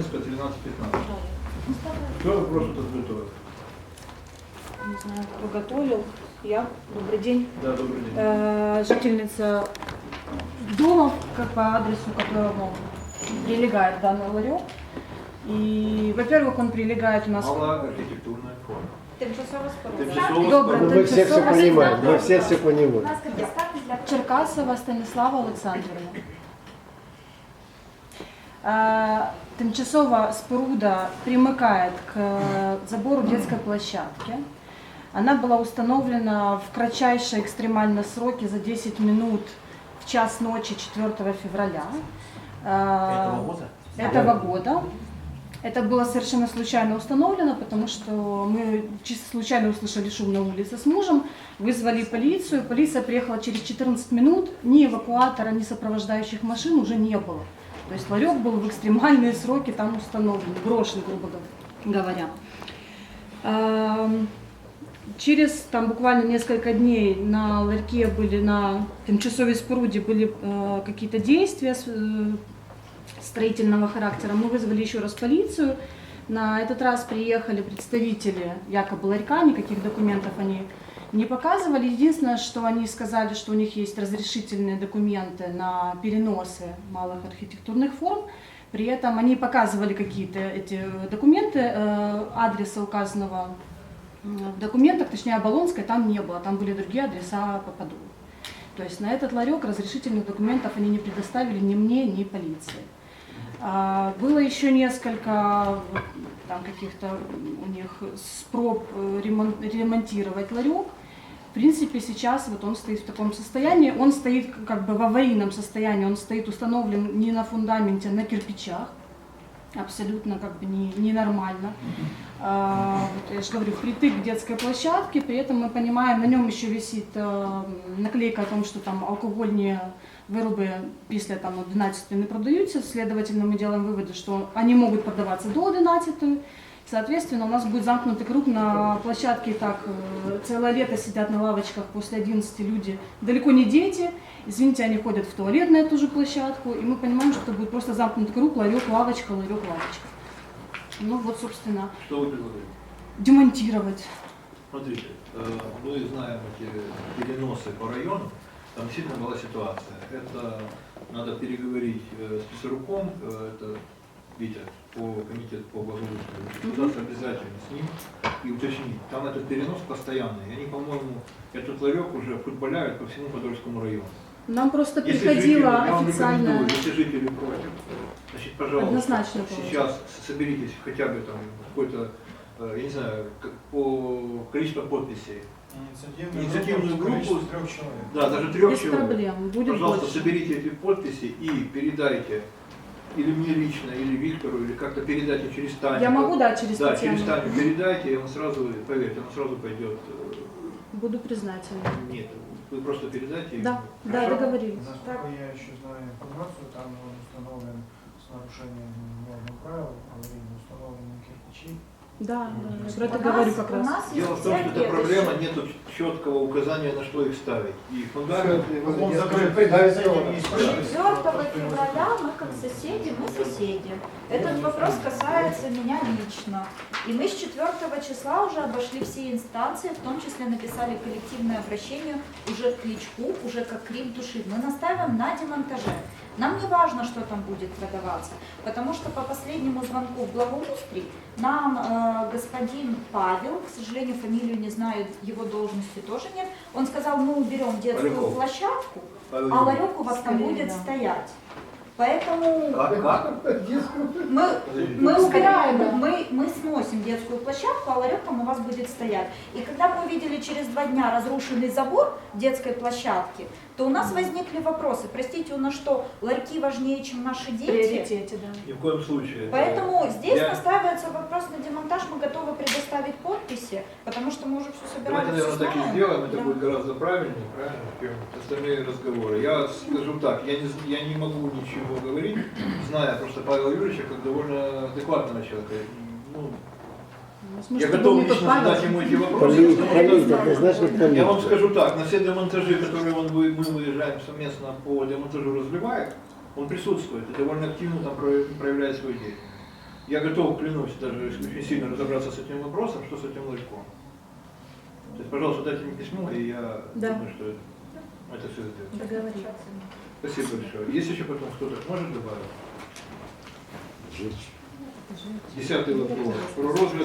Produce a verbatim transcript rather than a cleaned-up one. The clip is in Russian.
Ленинская, тринадцать пятнадцать. Кто вопрос тут готовит? Не знаю, кто готовил. Я. Добрый день. Да, добрый день. Э, жительница дома, как по адресу, которому прилегает данный ларек. И, во-первых, он прилегает у нас... Малоархитектурная форма. Тимчасово Тимчасово Добре, спорудження. Мы все все понимаем, мы все все понимаем. Черкасова Станіслава Олександрівна. Э, Тимчасова споруда примыкает к забору детской площадки. Она была установлена в кратчайшие экстремальные сроки за десять минут в час ночи четвёртого февраля Этого года? этого года. Это было совершенно случайно установлено, потому что мы чисто случайно услышали шум на улице с мужем, вызвали полицию. Полиция приехала через четырнадцать минут, ни эвакуатора, ни сопровождающих машин уже не было. То есть ларек был в экстремальные сроки там установлен, брошен, грубо говоря. Через там, буквально несколько дней на ларьке были, на тимчасовой споруде были э, какие-то действия э, строительного характера. Мы вызвали еще раз полицию. На этот раз приехали представители якобы ларька, никаких документов они не показывали. Единственное, что они сказали, что у них есть разрешительные документы на переносы малых архитектурных форм. При этом они показывали какие-то эти документы, э, адреса указанного в документах, точнее Оболонской, там не было, там были другие адреса по Подолу. То есть на этот ларек разрешительных документов они не предоставили ни мне, ни полиции. А, было еще несколько там каких-то у них спроб ремон, ремонтировать ларек. В принципе, сейчас вот он стоит в таком состоянии, он стоит как бы в аварийном состоянии, он стоит установлен не на фундаменте, а на кирпичах. Абсолютно как бы не, ненормально. А, вот я же говорю, впритык к детской площадке, при этом мы понимаем, на нем еще висит а, наклейка о том, что там алкогольные вироби після там одинадцятої не продаются, следовательно мы делаем выводы, что они могут продаваться до одиннадцатой. Соответственно, у нас будет замкнутый круг на площадке, и так целое лето сидят на лавочках после одиннадцати люди, далеко не дети, извините, они ходят в туалет на эту же площадку, и мы понимаем, что это будет просто замкнутый круг, ларек, лавочка, ларек, лавочка. Ну вот, собственно, Что вы предлагаете? демонтировать. Смотрите, мы знаем эти переносы по району, там действительно была ситуация. Это надо переговорить с Писаруком, это Витя, по комитету по благоустройству, государство обязательно с ним и уточнить. Там этот перенос постоянный. И они, по-моему, этот ларек уже футболяют по всему Подольскому району. Нам просто Если приходила жители, я вам официальная... рекомендую, если жители против, значит, пожалуйста, Однозначно сейчас соберитесь хотя бы там какой-то, я не знаю, по количеству подписей. Инициативную, Инициативную группу, трех человек. Да, даже трех Без человек. проблем, будет Пожалуйста, больше. соберите эти подписи и передайте или мне лично, или Виктору, или как-то передайте через Таню. Я могу, да, через Да, Татьяну. через Таню передайте, и он сразу, поверьте, он сразу пойдет. Буду признательна. Нет, вы просто передайте. Да, да, Хорошо? договорились. Насколько я еще знаю информацию, там он установлен с нарушением норм правил, аварийно установлены кирпичи. Да, да, я про это У говорю нас- как у раз. нас Дело в есть том, что цель это проблема, следующая. нет четкого указания, на что их ставить. И фундамент. Он закрыт, да, и сделано. четвёртого февраля мы как соседи, мы соседи. Этот вопрос касается меня лично. И мы с четвёртого числа уже обошли все инстанции, в том числе написали коллективное обращение уже к Кличку, уже как крик души. Мы настаиваем на демонтаже. Нам не важно, что там будет продаваться, потому что по последнему звонку в Благоустрий нам э, господин Павел, к сожалению, фамилию не знаю, его должности тоже нет, он сказал, мы уберем детскую Поляков. площадку, Павел а Юрьевич. ларек у вас там Скорее, будет да. стоять. Поэтому Как, как? мы, Подождите. мы убираем, мы, мы сносим детскую площадку, а ларек там у вас будет стоять. И когда мы увидели через два дня разрушенный забор детской площадки, то у нас возникли вопросы. Простите, у нас что, ларьки важнее, чем наши В дети? приоритете, да. Ни в коем случае. Поэтому здесь Я- настаивается вопрос на демонтаж, мы готовы предоставить подписи, потому что мы уже все собираем. Давайте, наверное, всё так и знаем. сделаем, это Да. будет гораздо правильнее, правильно, чем остальные разговоры. Я скажу так, я не, з- я не могу ничего говорить, зная просто Павла Юрьевича как довольно адекватного человека. Ну, Может, я это готов был не тот лично Павел? задать ему эти вопросы. Полит, потому что полит, однозначно полит. я вам скажу так, на все демонтажи, которые он, вы- мы выезжаем совместно по демонтажу разливает, он присутствует и довольно активно там про- проявляет свою деятельность. Я готов, клянусь, даже очень сильно разобраться с этим вопросом, что с этим ларьком. То есть, пожалуйста, дайте мне письмо, и я Да. думаю, что это все сделать. Договорились. Спасибо большое. Есть еще потом кто-то может добавить? Жечь. Десятый вопрос. Про розгляд